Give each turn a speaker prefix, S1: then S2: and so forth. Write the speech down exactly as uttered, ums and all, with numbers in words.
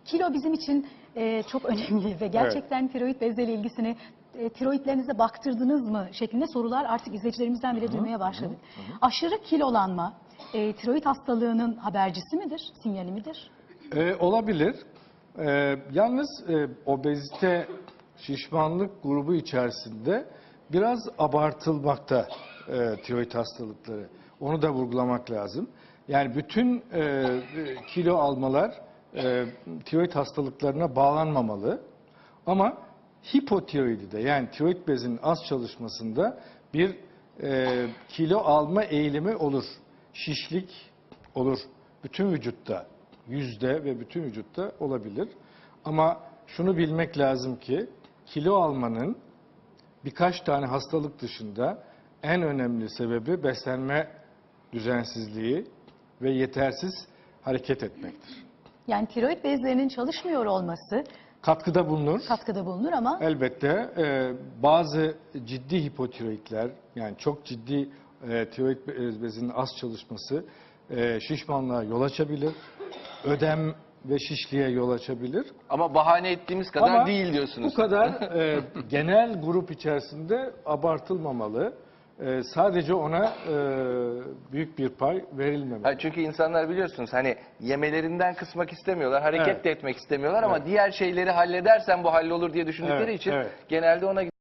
S1: Kilo bizim için e, çok önemli ve gerçekten evet. tiroid bezleri ilgisini e, tiroidlerinize baktırdınız mı şeklinde sorular artık izleyicilerimizden bile duymaya başladık. Hı hı. Aşırı kilolanma e, tiroid hastalığının habercisi midir, sinyali midir?
S2: E, olabilir. E, yalnız e, obezite, şişmanlık grubu içerisinde biraz abartılmakta e, tiroid hastalıkları. Onu da vurgulamak lazım. Yani bütün e, kilo almalar e, tiroid hastalıklarına bağlanmamalı. Ama hipotiroidide yani tiroid bezinin az çalışmasında bir e, kilo alma eğilimi olur. Şişlik olur. Bütün vücutta, yüzde ve bütün vücutta olabilir. Ama şunu bilmek lazım ki kilo almanın birkaç tane hastalık dışında en önemli sebebi beslenme düzensizliği ve yetersiz hareket etmektir.
S1: Yani tiroid bezlerinin çalışmıyor olması
S2: katkıda bulunur.
S1: Katkıda bulunur ama
S2: elbette e, bazı ciddi hipotiroidler yani çok ciddi e, tiroid bezinin az çalışması e, şişmanlığa yol açabilir. Ödem ve şişliğe yol açabilir.
S3: Ama bahane ettiğimiz kadar
S2: Ama
S3: değil diyorsunuz.
S2: Bu kadar e, genel grup içerisinde abartılmamalı. E, sadece ona e, büyük bir pay verilmemeli.
S3: Ha, çünkü insanlar biliyorsunuz hani yemelerinden kısmak istemiyorlar, hareket
S2: Evet.
S3: de etmek istemiyorlar ama
S2: Evet.
S3: diğer şeyleri halledersen bu hallolur diye düşündükleri
S2: Evet,
S3: için
S2: evet.
S3: genelde ona